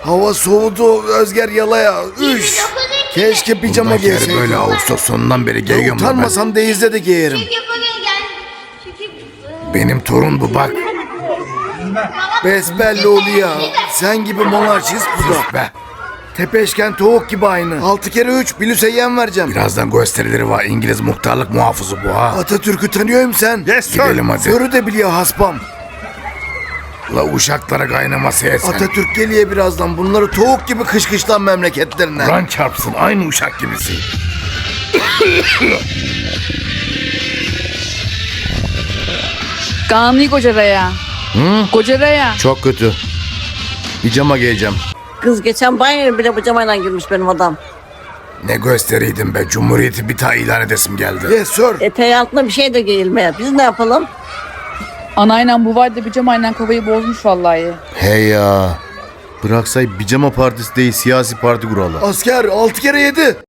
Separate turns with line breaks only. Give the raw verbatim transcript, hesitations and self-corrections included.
Hava soğudu Özger yalaya. Üş. Keşke pijama
Bundan beri
giyseydim.
böyle Ağustos sonundan beri
Ya
giyiyorum da ben.
utanmasam denizde de giyerim.
Benim torun bu bak.
Besbelli oluyor. Sen gibi monarşist bu da.
Be.
Tepeşken tavuk gibi aynı. Altı kere üç bilüseyyen vereceğim.
Birazdan gösterileri var. İngiliz muhtarlık muhafızı bu ha.
Atatürk'ü tanıyorum sen.
Yes sir. Gidelim hadi.
Görü de biliyor haspam.
La uşaklara kaynaması etsen.
Atatürk geliyor birazdan. Bunları tavuk gibi kışkışlan memleketlerine.
Kur'an çarpsın aynı uşak gibisi.
Kanuni Kocaraya.
Hı?
Kocaraya.
Çok kötü. Pijama giyeceğim.
Kız geçen banyoya bile pijamayla girmiş benim adam.
Ne gösteriydim be. Cumhuriyeti bir daha ilan edesim geldi.
Yes sir.
Eteği altında bir şey de giyilmeye. Biz ne yapalım?
Anayla bu var da pijamayla kafayı bozmuş vallahi.
Hey ya. Bıraksay pijama partisi değil siyasi parti kuralı. Asker altı kere yedi.